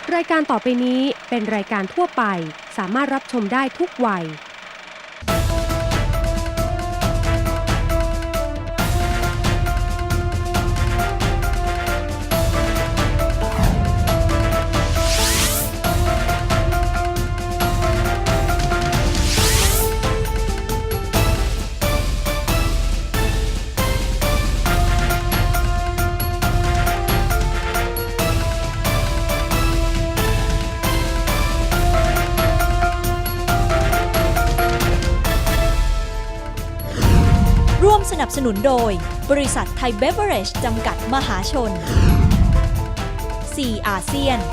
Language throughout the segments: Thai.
รายการต่อไปนี้เป็นรายการทั่วไปสามารถรับชมได้ทุกวัยร่วมสนับสนุนโดยบริษัทไทยเบเวอเรจจำกัดมหาชน 4 อาเซียน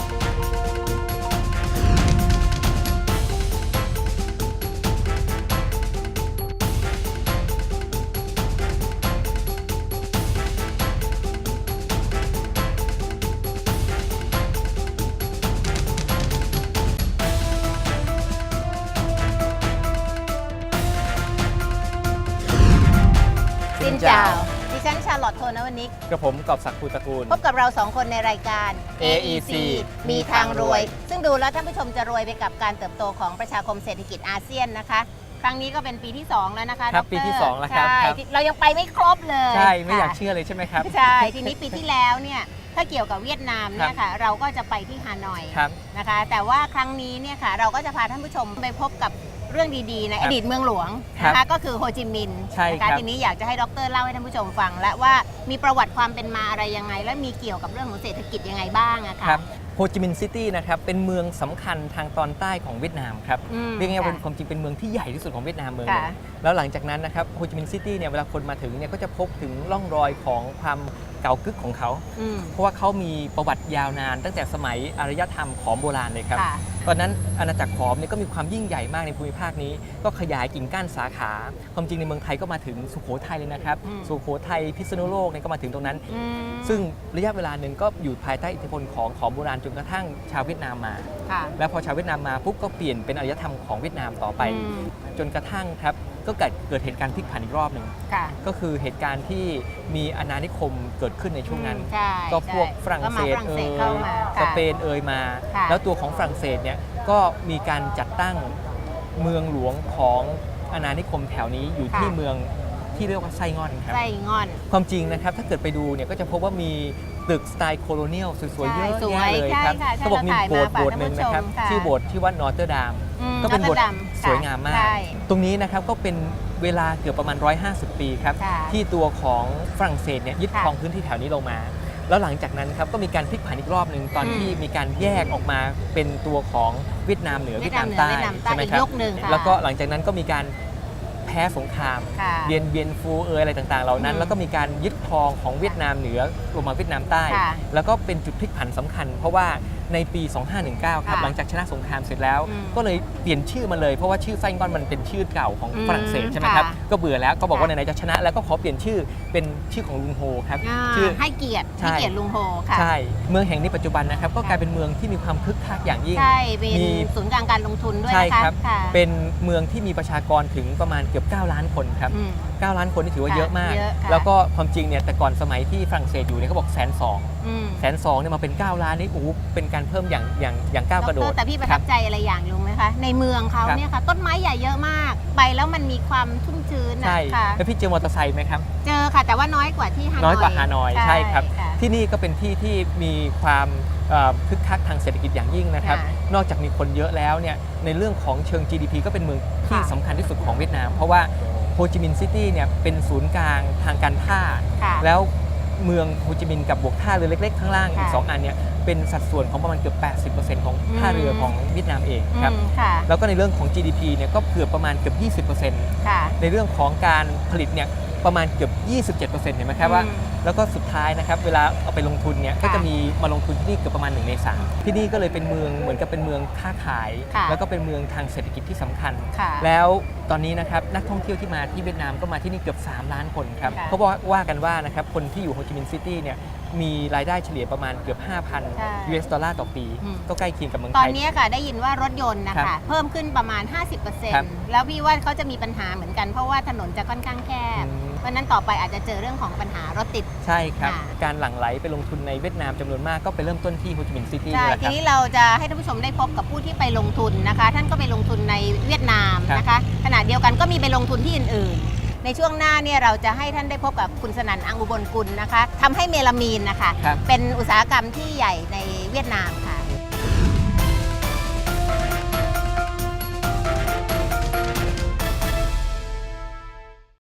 สินเจ้าดิฉันชาร์ลอตโทนวนิกกับผมกอบศักดิ์ภูตระกูลพบกับเราสองคนในรายการ AEC มีทางรวย ซึ่งดูแล้วท่านผู้ชมจะรวยไปกับการเติบโตของประชาคมเศรษฐกิจอาเซียนนะคะ ครั้งนี้ก็เป็นปีที่ 2 แล้วนะคะครับดรปีที่2แล้วครับใช่ครับเรายังไปไม่ครบเลยใช่ไม่อยากค่ะเชื่อเลยใช่ไหมครับใช่ ทีนี้ปีที่แล้วเนี่ยถ้าเกี่ยวกับเวียดนามเนี่ยค่ะเราก็จะไปที่ฮานอยครับนะคะ แต่ว่าครั้งนี้เนี่ยค่ะเราก็จะพาท่านผู้ชมไปพบกับเรื่องดีๆในอดีตเมืองหลวงนะคะก็คือโฮจิมินห์ใช่นะครัคะบทีนี้อยากจะให้ดรเล่าให้ท่านผู้ชมฟังและว่ามีประวัติความเป็นมาอะไรยังไง และมีเกี่ยวกับเรื่องของเศรษฐกิจยังไงบ้างอะค่ะครับโฮจิมินห์ซิตี้นะครับเป็นเมืองสำคัญทางตอนใต้ของเวียดนามครับอืมเรียกง่ายๆว่าค่ะความจริงเป็นเมืองที่ใหญ่ที่สุดของเวียดนามเมืองหนึ่ค่ะงแล้วหลังจากนั้นนะครับโฮจิมินห์ซิตี้เนี่ยเวลาคนมาถึงเนี่ยก็จะพบถึงร่องรอยของความเก่ากึกของเขาอืมเพราะว่าเขามีประวัติยาวนานตั้งแต่สมัยอารยธรรมขอมโบราณเลยครับค่ะตอนนั้นอาณาจักรขอมเนี่ยก็มีความยิ่งใหญ่มากในภูมิภาคนี้ ก็ขยายกิ่งก้านสาขา ความจริงในเมืองไทยก็มาถึงสุโขทัยเลยนะครับอืมสุโขทัยพิษณุโลกเนี่ยก็มาถึงตรงนั้นอืมซึ่งระยะเวลาหนึ่งก็อยู่ภายใต้อิทธิพลของขอมโบราณจนกระทั่งชาวเวียดนามมาค่ะแล้วพอชาวเวียดนามมาปุ๊บก็เปลี่ยนเป็นอารยธรรมของเวียดนามต่อไปอืมจนกระทั่งครับก็เกิดเหตุการณ์พลิกผันอีกรอบหนึ่งค่ะก็คือเหตุการณ์ที่มีอาณานิคมเกิดขึ้นในช่วงนั้นใช่ก็พวกใช่ฝรั่งเศสก็มาฝรั่งเศสเข้ามาสค่ะเปนมาค่ะแล้วตัวของฝรั่งเศสเนี่ยก็มีการจัดตั้งเมืองหลวงของอาณานิคมแถวนี้อยู่ที่เมืองที่เรียกว่าไส้งอนครับไส้งอนความจริงนะครับถ้าเกิดไปดูเนี่ยก็จะพบว่ามีตึกสไตล์โคโลเนียลสวยๆเยอะใช่แยะเลยใช่ครับค่ะใช่ก็บอกมีโบสถ์เราถ่ายมาโบสถ์หนึ่งนะครับฝากท่านผู้ชมค่ะชื่อโบสถ์ที่ว่านอร์เตอร์ดามอืมก็เป็นโบสถ์แล้วก็ดำสวยงามมากใช่ตรงนี้นะครับก็เป็นเวลาเกือบประมาณ 150 ปีครับค่ะที่ตัวของฝรั่งเศสเนี่ยยึดค่ะครองพื้นที่แถวนี้ลงมา แล้วหลังจากนั้นครับก็มีการพลิกผันอีกรอบหนึ่งตอนอืมที่มีการแยกออกมาเป็นตัวของเวียดนามเหนือเวีเวียยดดนานามเหนือใต้เวียดนามใต้ใช่ไหมอีกครับยุคหนึ่งค่ะแล้วก็หลังจากนั้นก็มีการแพ้สงครามค่ะเบียนฟูอะไรต่างๆ เหล่านั้นอืมแล้วก็มีการยึดครองของเวียดนามเหนือลงมาเวียดนามใต้ค่ะแล้วก็เป็นจุดพลิกผันสำคัญ เพราะว่าในปี 2519 ครับค่ะหลังจากชนะสงครามเสร็จแล้วอืมก็เลยเปลี่ยนชื่อมาเลย เพราะว่าชื่อไส้งอนมันเป็นชื่อเก่าของอืมฝรั่งเศสใช่ไหมครับค่ะก็เบื่อแล้วก็บอกว่าค่ะไหนๆจะชนะแล้วก็ขอเปลี่ยนชื่อเป็นชื่อของลุงโฮครับอ่าชื่อให้เกียรติใช่ให้เกียรติลุงโฮค่ะใช่เมืองแห่งนี้ปัจจุบันนะครับก็ค่ะกลายเป็นเมืองที่มีความคึกคักอย่างยิ่งใช่เป็นมีศูนย์กลางการลงทุนด้วยใช่นะคะครับค่ะเป็นเมืองที่มีประชากรถึงประมาณเกือบ 9 ล้านคนครับอืม 9 ล้านคนนี่ถือว่าค่ะเยอะมากเยอะค่ะแล้วก็ความจริงเนี่ยแต่ก่อนสมัยที่ฝรั่งเศสอยู่เนี่ยเขาบอก120,000 อืม 120,000เนี่ยมาเป็น 9 ล้านนี่โอ้โหเป็นการเพิ่มอย่างก้าวกระโดดแต่พี่ประคทัรับบ ใจอะไรอย่างรู้ไหมคะ ในเมืองเขาครับเนี่ยค่ะ ต้นไม้ใหญ่เยอะมาก ไปแล้วมันมีความชุ่มชื้นใช่นะค่ะแล้วพี่เจอมอเตอร์ไซค์ไหมครับเจอค่ะ แต่ว่าน้อยกว่าที่ฮานอยน้อยกว่าฮานอยใช่ครับะที่นี่ก็เป็นที่ที่มีความคึกคักทางเศรษฐกิจอย่างยิ่งนะครับค่ะนอกจากมีคนเยอะแล้วเนี่ยในเรื่องของเชิง GDP ก็เป็นเมืองที่ค่ะสำคัญที่สุดของเวียดนาม เพราะว่าโฮจิมินห์ซิตี้เนี่ยเป็นศูนย์กลางทางการท่าค่ะแล้วเมืองโฮจิมินห์กับบวกท่าเรือเล็กๆข้างล่างอีกค่ะ 2 อันเนี่ยเป็นสัดส่วนของประมาณเกือบ 80% ของท่าเรือของเวียดนามเองครับอืมค่ะแล้วก็ในเรื่องของ GDP เนี่ยก็เกือบประมาณเกือบ 20% ค่ะในเรื่องของการผลิตเนี่ยประมาณเกือบ 27%เห็นไหมครับว่าอืมแล้วก็สุดท้ายนะครับเวลาเอาไปลงทุนเนี่ยก็ค่ะจะมีมาลงทุนที่นี่เกือบประมาณ1 ใน 3ที่นี่ก็เลยเป็นเมืองเหมือนกับเป็นเมืองค้าขายค่ะแล้วก็เป็นเมืองทางเศรษฐกิจที่สำคัญค่ะแล้วตอนนี้นะครับนักท่องเที่ยวที่มาที่เวียดนามก็มาที่นี่เกือบ3 ล้านคนครับค่ะเขาบอกว่ากันว่านะครับคนที่อยู่โฮจิมินห์ซิตี้เนี่ยมีรายได้เฉลี่ยประมาณเกือบใช่ 5,000 US ดอลลาร์ต่อปีอืมก็ใกล้เคียงกับเมืองตไทอนยนี้ค่ะได้ยินว่ารถยนต์นะครัคะบเพิ่มขึ้นประมาณครับ 50%แล้วพี่ว่าเขาจะมีปัญหาเหมือนกันเพราะว่าถนนจะค่อนข้างแคบอืมราะฉะนั้นต่อไปอาจจะเจอเรื่องของปัญหารถติดใช่ครับค่ะการหลั่งไหลไปลงทุนในเวียดนามจำนวนมากก็ไปเริ่มต้นที่โฮจิมินห์ซิตี้ใช่นี่แหละคทีรับนี้เราจะให้ท่านผู้ชมได้พบกับผู้ที่ไปลงทุนนะคะ ท่านก็ไปลงทุนในเวียดนามนะคะขณะเดียวกันก็มีไปลงทุนที่อื่นๆ ในช่วงหน้าเนี่ยเราจะให้ท่านได้พบกับคุณสนั่นอังอุบลกุลนะคะทำให้เมลามีนนะคะครับเป็นอุตสาหกรรมที่ใหญ่ในเวียดนามค่ะ